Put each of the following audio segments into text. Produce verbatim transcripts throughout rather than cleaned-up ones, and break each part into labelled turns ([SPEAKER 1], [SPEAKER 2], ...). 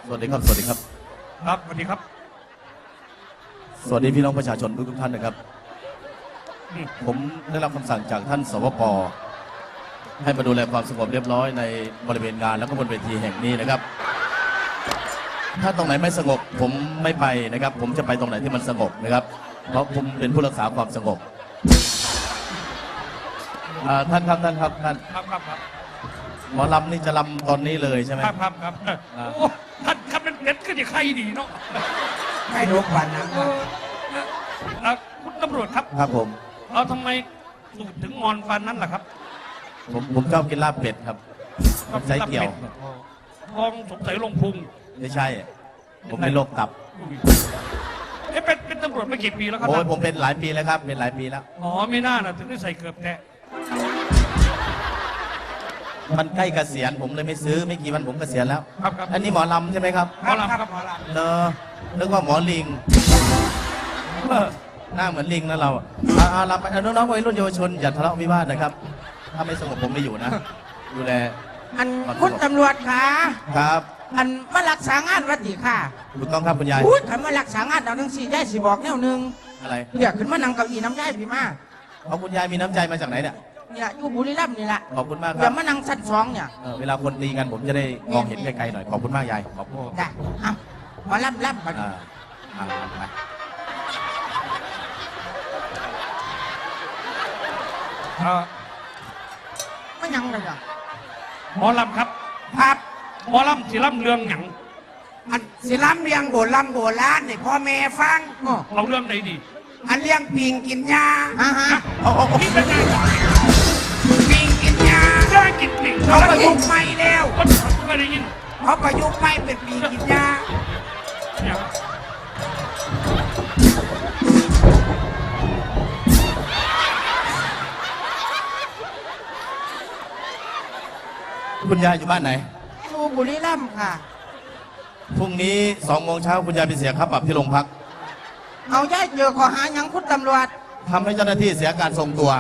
[SPEAKER 1] สวัสดีครับสวัสดีครับ
[SPEAKER 2] ครับสวัสดีครับ
[SPEAKER 1] สวัสดีพี่น้องประชาชนทุกท่านนะครับผมได้รับคำสั่งจากท่านสวป.ให้มาดูแลความสงบเรียบร้อยในบริเวณงานแล้วก็บนเวทีแห่งนี้นะครับถ้าตรงไหนไม่สงบผมไม่ไปนะครับผมจะไปตรงไหนที่มันสงบนะครับเพราะผมเป็นผู้รักษาความสงบท่านครับท่านครับท่าน
[SPEAKER 2] ครับครับครับ
[SPEAKER 1] หมอลำนี่จะลำตอนนี้เลยใช่ไหม
[SPEAKER 2] ครับครับครับโอ้ท่านครับเป็นเด็ดก็จะใครดีเนาะ
[SPEAKER 3] ไม่รู้ควันนะ
[SPEAKER 2] คุณตำรวจครับ
[SPEAKER 1] ครับผม
[SPEAKER 2] เราทำไมสูดถึงงอนฟันนั้นล่ะครับ
[SPEAKER 1] ผมผมชอบกินลาบเป็ดครับใช้เกี่ยว
[SPEAKER 2] ทองสงสัยลงพุง
[SPEAKER 1] ไม่ใช่ผมเป็นโรคตับ
[SPEAKER 2] เอ๊ะเป็นเป็นตำรวจมากี่ปีแล้วครับ
[SPEAKER 1] โอ้ยผมเป็นหลายปีแล้วครับเป็นหลายปีแล้ว
[SPEAKER 2] อ๋อไม่น่านะถึงได้ใส่เกือบแท้
[SPEAKER 1] มันใกล้เกษียณผมเลยไม่ซื้อไม่กี่วันผมเกษียณแล้ว
[SPEAKER 2] ครับครับ
[SPEAKER 1] อันนี้หมอลำใช่ไหมครับ
[SPEAKER 2] หมอลำครับหมอล
[SPEAKER 1] ำเนอะนึกว่าหมอลิงหน้าเหมือนลิงนะเราเอาลำไปน้องๆวัยรุ่นเยาวชนอย่าทะเลาะวิวาทนะครับถ้าไม่สงบผมไม่อยู่นะดูแล
[SPEAKER 3] อันคุณตำรวจคะ
[SPEAKER 1] ครับ
[SPEAKER 3] อันมารักษางานวัดดีค่ะ
[SPEAKER 1] ถูกต้องครับคุณยาย
[SPEAKER 3] พูดคำว่ารักษางานเอาหนึ่งสี่ยายสิบอกแนวหนึ่ง
[SPEAKER 1] อะไร
[SPEAKER 3] เดี๋ยวขึ้นมานั่งเก้าอี้น้ำยายพี่มา
[SPEAKER 1] เอาคุณยายมีน้ำใจมาจากไหนเนี่ย
[SPEAKER 3] เนี่ยอยู่บุรีรัมย์นี่แหละ
[SPEAKER 1] ขอบคุณมากครับ
[SPEAKER 3] เดี๋ยวมานั่งชั้นสองเนี่ย
[SPEAKER 1] เวลาคนตีกันผมจะได้มองเห็นไกลๆหน่อยขอบคุณมากยายขอบคุณ
[SPEAKER 3] ได้เอามารับรับมา
[SPEAKER 1] อ่าอ่าไป
[SPEAKER 3] ไม่ยังเลยอ่ะ
[SPEAKER 2] หมอลำครับ
[SPEAKER 3] ครับ
[SPEAKER 2] หมอลำสิลำเรื่องหยัง
[SPEAKER 3] อันสิลำเลี้ยงโบราณโบราณนี่พ่อแม่ฟัง
[SPEAKER 2] เราเรื่องไหนดี
[SPEAKER 3] อันเลี้ยงปิงกินยาอ่าฮะ
[SPEAKER 2] โอ้โหนี่เป็นไง
[SPEAKER 3] ปิงกินยา
[SPEAKER 2] ได้กินปิง
[SPEAKER 3] เขาประยุกต์ใหม่แล้ว
[SPEAKER 2] ไม่ได้ยิน
[SPEAKER 3] เขาประยุกต์ใหม่เป็นปิงกินยา
[SPEAKER 1] คุณยายอยู่บ้านไหน
[SPEAKER 3] อยู่บุรีรัมย์ค่ะ
[SPEAKER 1] พรุ่งนี้สองโมงเช้าคุณยายไปเสียค่าปรับที่โรงพัก
[SPEAKER 3] เอาย่ายเจอขอหายังคุณตำรวจ
[SPEAKER 1] ทำให้เจ้าหน้าที่เสียการทรงตัว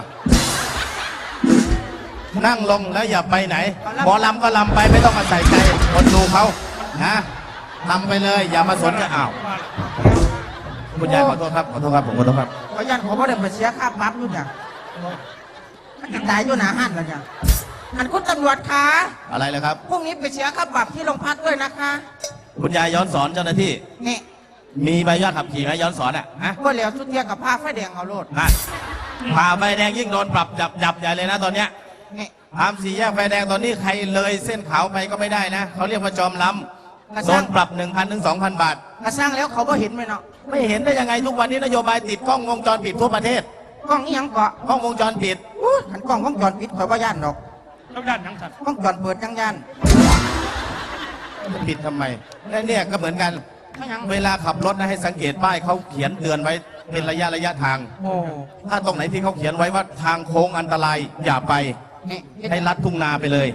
[SPEAKER 1] นั่งลงแล้วอย่าไปไหนหมอลำก็ลำไปไม่ต้องมาใส่ใจคนดูเขานะลำไปเลยอย่ามาสนใจอ้าวคุณยายขอโทษครับขอโทษครับผมขอโทษครับ
[SPEAKER 3] ขอยันขอพ่อเด็กไปเสียค่าปรับอยู่เนี่ยมันจะตายอยู่หนาหันแล้วเนี่ยอันคุณตำรวจคะ
[SPEAKER 1] อะไรเลยครับ
[SPEAKER 3] พรุ่งนี้ไปเสียค่าปรับที่โรงพักด้วยนะคะ
[SPEAKER 1] คุณยายย้อนสอนเจ้าหน้าที่
[SPEAKER 3] นี่
[SPEAKER 1] มีใบยอดขับขี่ไหมย้อนสอนอ่ะฮะ
[SPEAKER 3] ก็เหลียวทุกเทียกับผ้าไฟแดงเอาโลด
[SPEAKER 1] ฮะผ่าไฟแดงยิ่งโดนปรับจับจับใหญ่เลยนะตอนเนี้ย
[SPEAKER 3] นี่
[SPEAKER 1] ทำสี่แยกไฟแดงตอนนี้ใครเลยเส้นขาวไปก็ไม่ได้นะเขาเรียกว่าจอมล้ำโดนปรับหนึ่งพันถึงสองพันบาท
[SPEAKER 3] กระสร้างแล้วเขาก็เห็นไหมเนาะ
[SPEAKER 1] ไม่เห็นได้ยังไงทุกวันนี้นโยบายติดกล้องวงจรปิดทั่วประเทศ
[SPEAKER 3] กล้องยังเกาะ
[SPEAKER 1] กล้องวงจรปิด
[SPEAKER 3] ขันกล้องวงจรปิดคอยว่าย่านดอก
[SPEAKER 2] แล้วย่านยังสัตว์
[SPEAKER 3] กล้องจรเปิดยังย่าน
[SPEAKER 1] ปิดทำไมเนี่ยก็เหมือนกันเวลาขับรถนะให้สังเกตป้ายเขาเขียนเตือนไว้เป็นระยะระยะทางถ้าตรงไหนที่เขาเขียนไว้ว่าทางโค้งอันตรายอย่าไปให้ลัดทุ่งนาไปเลย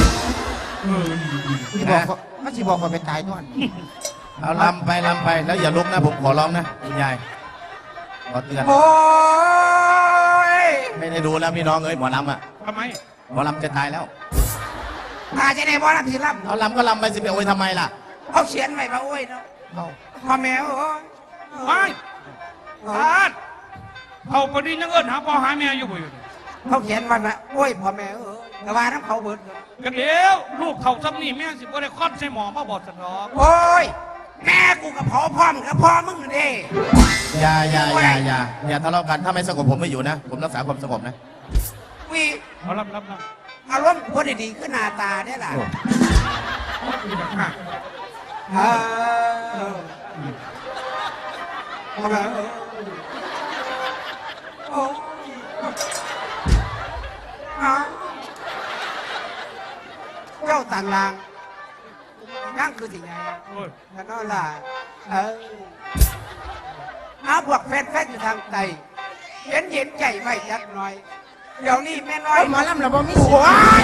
[SPEAKER 3] ที่บอกเขาที่บอกว่าไปตายด้วย
[SPEAKER 1] เอาลำไปลำไปแล้วอย่าลุกนะผมขอร้องนะคุณยายขอเตือน
[SPEAKER 3] โอ้ย
[SPEAKER 1] ไม่ได้ดูแล้วพี่น้องเอ้ยหมอลำอ่ะ
[SPEAKER 2] ทำไม
[SPEAKER 1] หมอลำจะตายแล้ว
[SPEAKER 3] อาจะได้หมอลำที่ลำ
[SPEAKER 1] เอาลำก็ลำไปสิไปโอ้ยทำไมล่ะ
[SPEAKER 3] เขาเขียนไว้มาโอ้ยเนาะพ่อแม่โอ้ย
[SPEAKER 2] ไม่พาดเขาพอดียังเอิญหาพ่อหาแม่อยู่บ่อยู่
[SPEAKER 3] เขาเขียนวันละโอ้ยพ่อแม่เออแต่ว่าน้ำเขาเบิด
[SPEAKER 2] กันเดี๋ยวลูกเขาซ้ำนี่แม่สิบ่ได้คลอดใส่หมอมาบอดสนอง
[SPEAKER 3] โอ้ยแม่กูกับพ่อพ่อมกับพ่อมึงเด้
[SPEAKER 1] อย่าอย่าอย่าอย่าอย่าทะเลาะกันถ้าไม่สงบผมไม่อยู่นะผมรักษาความสงบนะ
[SPEAKER 3] วี
[SPEAKER 2] เอารับรับรับ
[SPEAKER 3] อารมณ์คนดีขึ้นหน้าตาได้ล่ะเออพ่อแม่โอ้เจ้าต่างลางนั่งคือสิ่งไงแล้วก็ล่ะเออเอาพวกแฟนๆอยู่ทางใต้เย็นเย็นใจไว้จักหน่อยเดี๋ยวนี้แม่น้อยหมอลำเราบ่มีสิน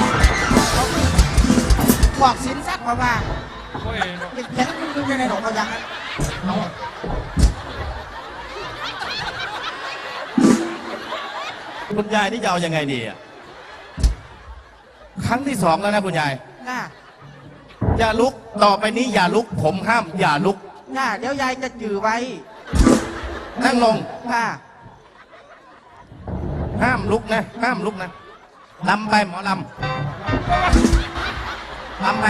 [SPEAKER 3] บอกสินสักเพราะว่าเป็นแค่คุณดูในหนองเขาอย่างนั้น
[SPEAKER 1] คุณยายนี่จะเอายังไงดีอ่ะครั้งที่สองแล้วนะคุณยายอย่าลุกต่อไปนี้อย่าลุก ผมห้ามอย่าลุก
[SPEAKER 3] น่าเดี๋ยวยายจะจือไว้
[SPEAKER 1] นั่งลง
[SPEAKER 3] ค่ะ
[SPEAKER 1] ห้ามลุกนะ ห้ามลุกนะลำไปหมอลำลำไป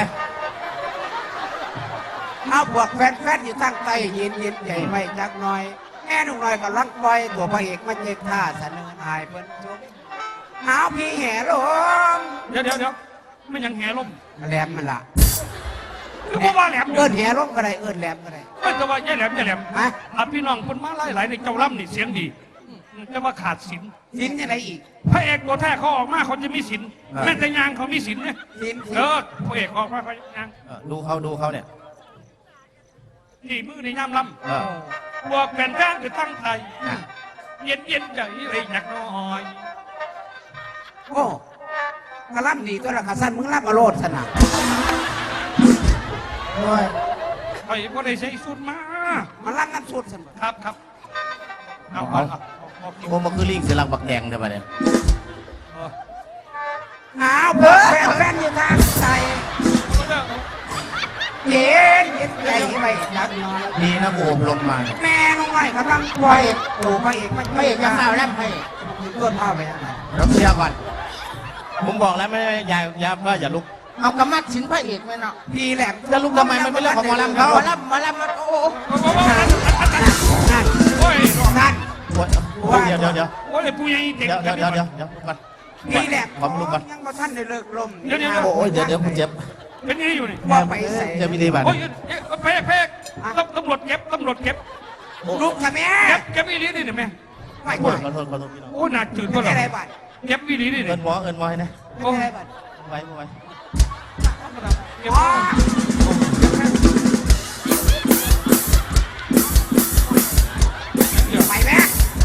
[SPEAKER 3] เอาพวกแฟนๆอยู่ทางใต้เย็นเย็นใจไว้จักหน่อยแม่หนุ่มน้อยก็รักปล่อยตัวพระเอกมาเจ็บท่าเสนออายเพิ่นชมเอาพี่แห่ลม
[SPEAKER 2] เดี๋ยวเดี๋ยวเดี๋ยวไม่ยังแห่ลม
[SPEAKER 3] แหลมมันล่ะ
[SPEAKER 2] คือบ่ว่าแหลม
[SPEAKER 3] เอิ้นแห่ลมก็ได้เอิ้นแหลมก็ได้
[SPEAKER 2] ไม่จะว่าแย่แหลมแย่แหลม
[SPEAKER 3] ฮะ
[SPEAKER 2] อ่ะพี่น้องคนมาหลายๆในเจ้าล่ำนี่เสียงดีจะว่าขาดศีล
[SPEAKER 3] สินยังไงอีก
[SPEAKER 2] พระเอกตัวแท้เขาออกมาเขาจะมีศีลแม้แต่ยางเขามีศีลเนี่ย
[SPEAKER 3] สิน
[SPEAKER 2] เออพระเอกออกมาเขายาง
[SPEAKER 1] เออดูเขาดูเขาเนี่ย
[SPEAKER 2] นี่มือในย่ำล
[SPEAKER 1] เออ
[SPEAKER 2] ำบวกแผ่นแป้งคือตั้งใจเย็นเย็นๆใจเลยอยากน้อย
[SPEAKER 3] โอ้กระล่ำดีตัวละกระสันมึงล่ำมาโลดสนะโอ้ย
[SPEAKER 2] ไอ้พวกได้ใช้สุดมา
[SPEAKER 3] มาล่ำน้ำสุดสนะครับ
[SPEAKER 2] ครับเอาเอาเอาเอา
[SPEAKER 1] โอ้มาคือลิงเสียหลังบักแดงได้ปะเนี่ย
[SPEAKER 2] เอา
[SPEAKER 3] เอาเพิ่แฟนแฟนอยู่ทางใต้เย็นเย็นใจไว้จักหน่อย
[SPEAKER 1] ดีนะโอบลมมา
[SPEAKER 3] แม่น้องไม้กำลังปล่อยโอ้พระเอกมันพระเอกจะข่าวแล้วพระเอกต้นข้าวไปยังไง
[SPEAKER 1] เราเคลียร์ก่อน ผมบอกแล้วไม่ได้ยายยาว่าอย่าลุก
[SPEAKER 3] เอากระมัดสินพระเอกไหมเนาะพี่แหลม
[SPEAKER 1] จะลุกทำไมมันเป็นเรื่องของหมอลำเขา
[SPEAKER 3] หมอลำหมอลำมันโอ้โห
[SPEAKER 2] โอ้ย
[SPEAKER 3] นั่น
[SPEAKER 1] โอ้ยเดี๋ยวเดี๋ยวเดี๋ยว
[SPEAKER 2] โอ้ยผู้ใหญ่เด็ก
[SPEAKER 1] เดี๋ยวเดี๋ยวเดี๋ยวเดี๋ยวเดี๋ยวลุกก่อน
[SPEAKER 3] พี่แหลม
[SPEAKER 1] ผมลุกก่อน
[SPEAKER 3] ยังมาท่านได้เลิกลม
[SPEAKER 1] โอ้ยเดี๋ยวเดี๋ยวผมเจ็บ
[SPEAKER 2] เป็นยังไงอยู่นี่
[SPEAKER 3] ว่าไปใส่
[SPEAKER 1] เจ็บวิธีบัตร
[SPEAKER 2] โอ้ยเพกเพกตำรวจเก็บตำรวจเก็บ
[SPEAKER 3] ลูกทำไม
[SPEAKER 2] เก็บเก็บอีหลีนี่นี่แม่
[SPEAKER 3] ไม่
[SPEAKER 1] ข
[SPEAKER 3] ไหว
[SPEAKER 1] อโทษขอโทษพี่น้อง
[SPEAKER 2] โอ้หนักจืด
[SPEAKER 3] ไม่
[SPEAKER 2] ก็หรอ
[SPEAKER 3] ได้บัตร
[SPEAKER 2] เก็บอีหลีนี่
[SPEAKER 1] เอินหมอเอินหมอให้นะ
[SPEAKER 3] ไม่ได้บัตร
[SPEAKER 1] ไว้ไว้
[SPEAKER 3] อ๋อไปแม่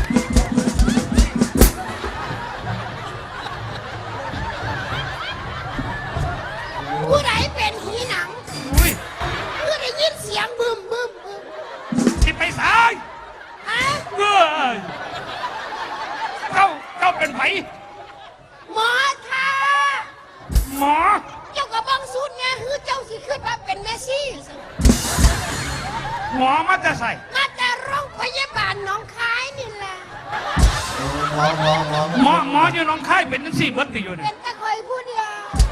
[SPEAKER 4] ผู้ใดเป็นหีหนัง
[SPEAKER 2] อุ้ย
[SPEAKER 4] ผู้ได้ยินเสียงบึมบึมบึม
[SPEAKER 2] สิไปสาย
[SPEAKER 4] ฮะ
[SPEAKER 2] เอ้ยเจ้าเจ้าเป็นไผ
[SPEAKER 4] หมอค่ะ
[SPEAKER 2] หมอ
[SPEAKER 4] เจ้ากับบังสูตรไงคือเจ้าสิขึ้นมาเป็นเมสซี่
[SPEAKER 2] หมอมาจะใส่
[SPEAKER 4] มาแต่โรงพยาบาลหน้องคายนี่แหละ
[SPEAKER 1] หมอหมอหมอ
[SPEAKER 2] หมอหมออยู่หน้องค่ายเป็นทั้งสี่เบิร์ตอยู่เนี่
[SPEAKER 4] เป็
[SPEAKER 2] ย
[SPEAKER 4] นตะคอยผู้เดียว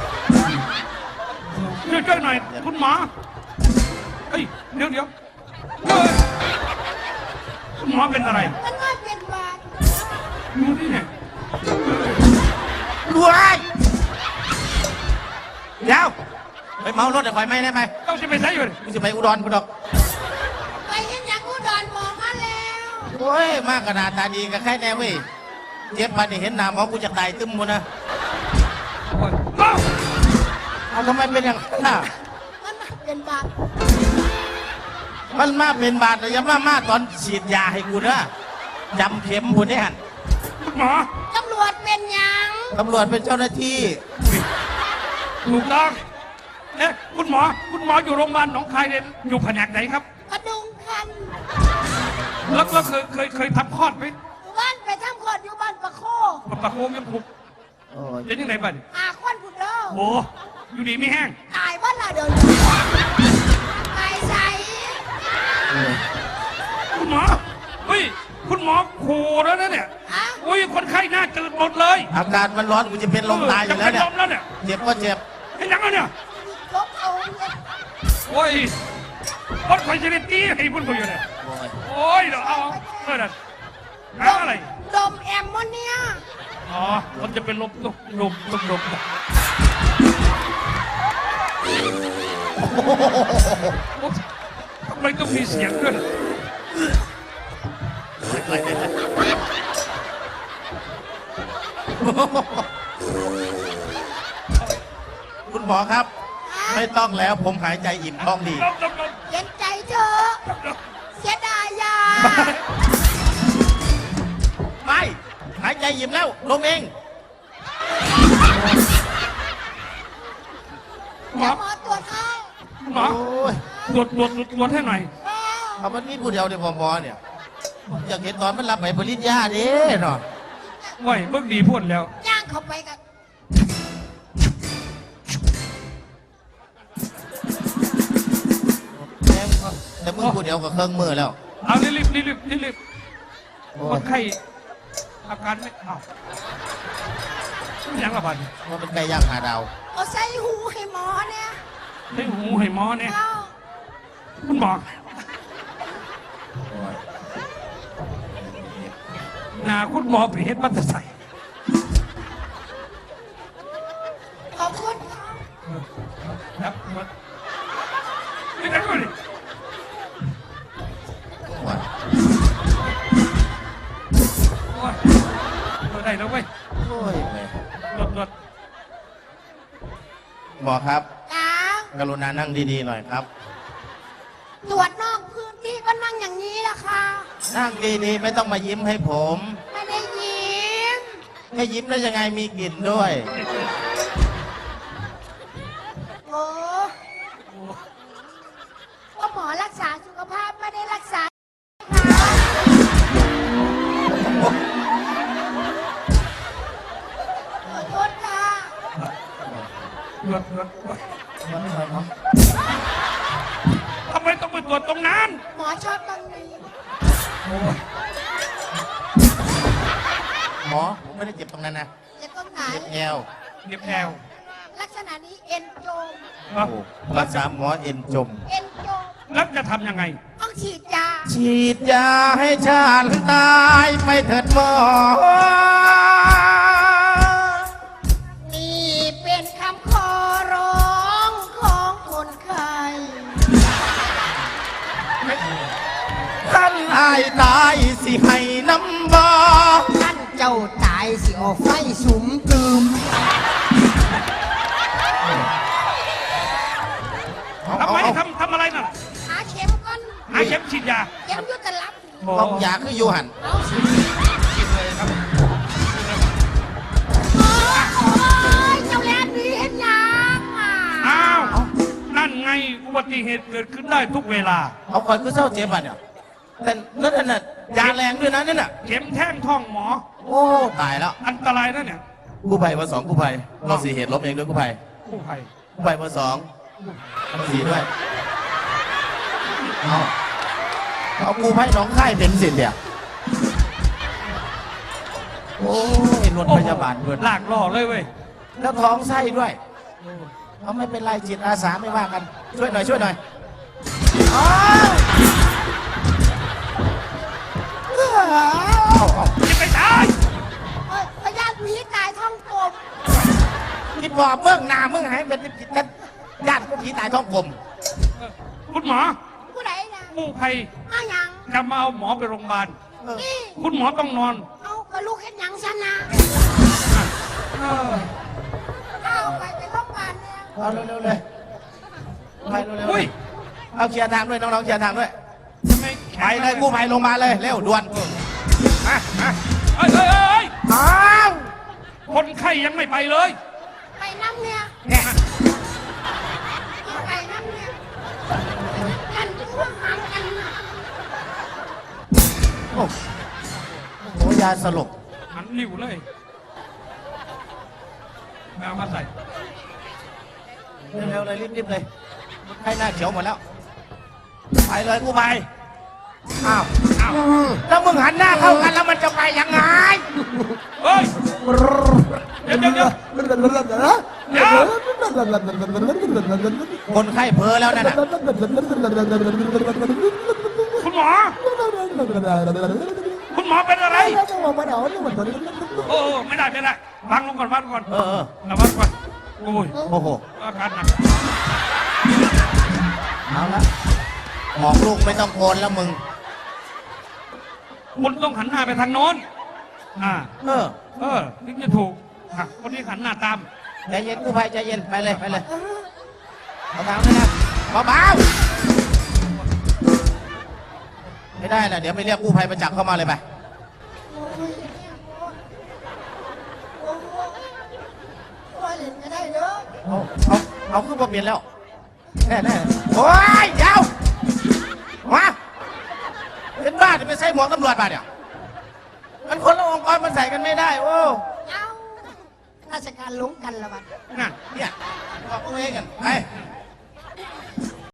[SPEAKER 2] ช่วยช่วยหน่อยคุณหมอเฮ้ยเดี๋ยวเดี๋ยวเฮ้ยคุณหมอเป็นอะไร
[SPEAKER 4] มันว่าเป็นบาด
[SPEAKER 2] อยู่นี่เนี่ย
[SPEAKER 1] รวยเดี๋ยวไปเมารถเดี๋ยวไฟไหม้ได้ไหม
[SPEAKER 2] เจ้าจะไปใส่อยู่
[SPEAKER 1] กูจะไปอุดรกูดอก
[SPEAKER 4] ไปเห็นอย่างอุดรหมอมาแล้ว
[SPEAKER 1] โอ้ยมากขนาดตาดีกับใครแน่เว้ยเจ็บมาเนี่เห็นหน้าหมอกูจะตายตึมหมดนะ
[SPEAKER 2] โอ้ยเอ้า
[SPEAKER 1] เอาทำไมเป็นอย่างนั้นน่ะ
[SPEAKER 4] มันว่าเป็นบาด
[SPEAKER 1] มันมาเป็นบาดแต่อยังมามาตอนฉีดยาให้กูนะจำเข็มกูเนี่ย
[SPEAKER 2] คุณหมอ
[SPEAKER 4] ตำรวจเป็นหยัง
[SPEAKER 1] ตำรวจเป็นเจ้าหน้าที่
[SPEAKER 2] ถูกต้องเอ๊ะคุณหมอ คุณหมออยู่โรงพยาบาลหนองคายเนี่ยอยู่แผนกไหนครับ
[SPEAKER 4] กระดุงคัน
[SPEAKER 2] แล้วแล้วเคยเคยเคยทำคลอดไหม
[SPEAKER 4] บ้านไปทำคลอดอยู่บ้านประโค
[SPEAKER 2] ปะปะโคงยังผูก
[SPEAKER 1] โอ้ย
[SPEAKER 2] เป็นยังไงบ้าง
[SPEAKER 4] อาควันผุดเด้อ
[SPEAKER 2] โอ้อยู่ดีไม่แห้ง
[SPEAKER 4] ตายบ้านละเดินไปใส่
[SPEAKER 2] คุณหมอเฮ้ยคุณหมอขู่แล้วนะเนี่ย
[SPEAKER 4] ฮะ
[SPEAKER 2] อุ้ยคนไข้หน้าจืดหมดเลย
[SPEAKER 1] อากาศมันร้อนกูจะเป็นลมตายอยู่แล้วเนี่ย
[SPEAKER 2] จะเป็นลมแล้วเนี่ย
[SPEAKER 1] เจ็บก็เจ็บ
[SPEAKER 2] เห็นยังแล้วเนี่ย
[SPEAKER 4] ลบเอาเนี่ย
[SPEAKER 2] โอ้ยคนไข้จะได้ตีให้พุ่นกูอยู่เนี่ย
[SPEAKER 1] โอ้ย
[SPEAKER 2] โอ้ยเดี๋ยวเอาเพื่อนอะหาอะไร
[SPEAKER 4] ดมแอมโมเนีย
[SPEAKER 2] อ๋อมันจะเป็นลมลมลมลมลมทำไมต้องมีเสียงด้วย
[SPEAKER 1] คุณหมอครับ ไม่ต้องแล้วผมหายใจอิ่มท้องดี
[SPEAKER 2] ลมลมลม
[SPEAKER 4] เย็นใจเธอะ
[SPEAKER 2] ลม
[SPEAKER 4] เสียดายยา
[SPEAKER 1] ไม่หายใจอิ่มแล้วลงเอง
[SPEAKER 2] หม
[SPEAKER 4] เดี๋
[SPEAKER 2] อ
[SPEAKER 4] ยวหมอตรวจให้
[SPEAKER 2] หมอ
[SPEAKER 1] โอ้ย
[SPEAKER 2] ตรวจตรวจตรวจให้หน่อย
[SPEAKER 4] แม่
[SPEAKER 1] เอามันมีผู้เดียวเดียวหมอเนี่ยอยากเห็นตอนมันรับไปผลิตยาเด้เนาะ
[SPEAKER 2] ว้ยเบิกดีพ่นแล้ว
[SPEAKER 4] ย่างเข้าไปกัน
[SPEAKER 1] มึงกูเดียวกับเครื่องมือแล้ว
[SPEAKER 2] เอารีบรีบรีบรีบรีบ
[SPEAKER 1] โอ้
[SPEAKER 2] ค
[SPEAKER 1] ย
[SPEAKER 2] นไข้อาการไม่เอายังละบัด
[SPEAKER 1] ว่าเป็นไก่ย่างหาดาว
[SPEAKER 4] เอาใส่หูให้หมอเนี่ย
[SPEAKER 2] ให้หูให้หมอเนี่ย
[SPEAKER 4] เอา
[SPEAKER 2] คุณหมอ
[SPEAKER 1] โอ้ย
[SPEAKER 2] หนาคุณหมอไปเฮ็ดบัตรใส่
[SPEAKER 4] ขอบคุณค่ะ
[SPEAKER 2] ครับหมดนี่กันก่อนดิ
[SPEAKER 1] โอ้ย
[SPEAKER 2] โอ้ยตัวได้แล้วเว้ย
[SPEAKER 1] โอ้ยแม่
[SPEAKER 2] รถรถ
[SPEAKER 1] หมอครับ
[SPEAKER 4] จ้าก
[SPEAKER 1] รุณานั่งดีๆหน่อยครับ
[SPEAKER 4] ตรวจนอกพื้นที่ก็นั่งอย่างนี้ล่ะค่ะ
[SPEAKER 1] นั่งดีๆไม่ต้องมายิ้มให้ผม
[SPEAKER 4] ไม่ได้ยิ้ม
[SPEAKER 1] ไม่ยิ้มได้ยังไงมีกลิ่นด้วย
[SPEAKER 4] โอ้ก็หมอรักษาสุขภาพไม่ได้รักษาค่ะขอโทษค่ะ
[SPEAKER 2] รถรถทำไมต้องไปตรวจตรงนั้น
[SPEAKER 4] หมอชอบตรงนี้
[SPEAKER 1] หมอผมไม่ได้เจ็บตรงนั้นนะ
[SPEAKER 4] จะตรงไหน
[SPEAKER 1] เจ็บแอว
[SPEAKER 2] เน็บแอว
[SPEAKER 4] ลักษณะนี้เอ็นโจม
[SPEAKER 1] โอ้รักษาหมอเอ็นจม
[SPEAKER 4] เอ็นโจม
[SPEAKER 2] แล้วจะทำยังไง
[SPEAKER 4] ต้องฉีดยา
[SPEAKER 1] ฉีดยาให้ชาติตายไปเถิดหมอ
[SPEAKER 4] นี่เป็นคำขอร้องของคนไข้
[SPEAKER 1] ท่านอายตายสิให้น้ำบอ
[SPEAKER 4] ท่านเจ้าตายสิออกไฟสุมตืม
[SPEAKER 2] ทำไมทำทำอะไรน่ะ
[SPEAKER 4] หาเข็มก่อน
[SPEAKER 2] หาเข็มฉีดยา
[SPEAKER 4] เข็มอยุตลับ
[SPEAKER 1] บอกยาคืออยู่หัน
[SPEAKER 4] เอาสิ
[SPEAKER 2] ฉีดเลยครับ
[SPEAKER 4] โอ้ยเจ้าแลนดีเห็นยังอ่ะ
[SPEAKER 2] อ้าว นั่นไงอุบัติเหตุเกิดขึ้นได้ทุกเวลา
[SPEAKER 1] เอาคอยคือเศร้าเจ็บอ่ะเนี่ยแต่นั่นน่ะยาแรงด้วยนะนั่นน่ะ
[SPEAKER 2] เข็มแท่งท้องหมอ
[SPEAKER 1] โอ้ตายแล้ว
[SPEAKER 2] อันตรายนะเนี่ย
[SPEAKER 1] กู้ภัยมาสองกู้ภัยเราสี่เหตุลบเองด้วยกู้ภัย
[SPEAKER 2] ผู้ภัย
[SPEAKER 1] กู้ภัยมาสองมาสี่ด้วยเอาเอากู้ภัยหน้องค่ายเป็นสิทธิ์เนี่ยโอ้ยรถพยาบาลด้วย
[SPEAKER 2] ลากล่อเลยเว้ย
[SPEAKER 1] แล้วท้องไส้ด้วยเอาไม่เป็นไรจิตอาสาไม่ว่ากัน ช่วยหน่อยช่วยหน่อยอ้าวเอาเอา
[SPEAKER 2] จะไปตาย
[SPEAKER 4] เอ้ยพยาธิผีตายท้องกลม
[SPEAKER 1] คิดว่าเบื้องหน้ามึงให้เป็นญาติผีตายท้องกลม
[SPEAKER 2] เออคุณหมอ
[SPEAKER 4] ผู้ใดนะ
[SPEAKER 2] ผู้ภัย
[SPEAKER 4] เอาหยัง
[SPEAKER 2] จะมาเอาหมอไปโรงพยาบาล
[SPEAKER 4] นี่
[SPEAKER 2] คุณหมอต้องนอน
[SPEAKER 4] เอากระลูกเห็นหยังซะนะ
[SPEAKER 2] เออ
[SPEAKER 4] เอาไปไปโรงพยาบาลเนี่ย
[SPEAKER 1] เอาเร็วๆเลยไปเร็วๆ
[SPEAKER 2] อุ้ย
[SPEAKER 1] เอาเคลียร์ทางด้วยน้องๆเคลียร์ทางด้วย
[SPEAKER 2] ทำไมแข
[SPEAKER 1] ไป
[SPEAKER 2] น
[SPEAKER 1] เลยกู้ภัยลงมาเลยเร็วด่วนมามา
[SPEAKER 2] เอ้ยเอ้ยเอ้ยเอ้ย
[SPEAKER 1] อ้าว
[SPEAKER 2] คนไข้ยังไม่ไปเลย
[SPEAKER 4] ไปน้ำเนี่ย
[SPEAKER 1] เนี่ย
[SPEAKER 4] ไปน้ำเนี่ยกันพวกหางกันนะ
[SPEAKER 1] โอ้โหยาสลบ
[SPEAKER 2] หันหลิวเลยแมวมาใส่
[SPEAKER 1] เร็วๆเลยรีบๆเลยให้หน้าเขียวหมดแล้ว ไปเลยกู้ภัยอ้าว
[SPEAKER 2] อ้าว
[SPEAKER 1] แล้วมึงหันหน้าเข้ากันแล้วมันจะไปยังไง
[SPEAKER 2] เฮ้ย เดี๋ยวเดี๋ยวเดี๋ยวเดี๋ยว
[SPEAKER 1] คนไข้เพ้อแล้วนั่นน่ะ
[SPEAKER 2] คุณหมอ คุณหมอเป็นอะไร โอ้โอ้ไม่ได้ไม่ได้วางลงก่อนวางลงก่อน
[SPEAKER 1] เออเออ
[SPEAKER 2] ระวังก่อน โอ้ย
[SPEAKER 1] โอ้โห
[SPEAKER 2] อาการหนัก
[SPEAKER 1] เอาละบอกลูกไม่ต้องโกนแล้วมึง
[SPEAKER 2] คุณต้องหันหน้าไปทางโน้น อ่า
[SPEAKER 1] เออ
[SPEAKER 2] เออถึงจะถูกอ่ะคนนี้หันหน้าตาม
[SPEAKER 1] ใจเย็นกู้ภัยใจเย็นไปเลยไปเลยเอาทางด้วยนะเบาๆไม่ได้นะเดี๋ยวไปเรียกกู้ภัยประจักษ์เข้ามาเลยไป
[SPEAKER 4] โอ้ยโอ้โหโอ้ยเล่นก็ได้เด้อ
[SPEAKER 1] เอาเอาเอาขึ้นมาเปลี่ยนแล้วแน่แน่โอ้ยเดี๋ยวมาเป็นบ้าจะไปใส่หมวกตำรวจมาเนี่ยมันคนละองค์กรมันใส่กันไม่ได้โอ้
[SPEAKER 4] เอาราชการหลงกันละบัด
[SPEAKER 2] นั่น
[SPEAKER 1] เนี่ยบอกตัวเองกันไป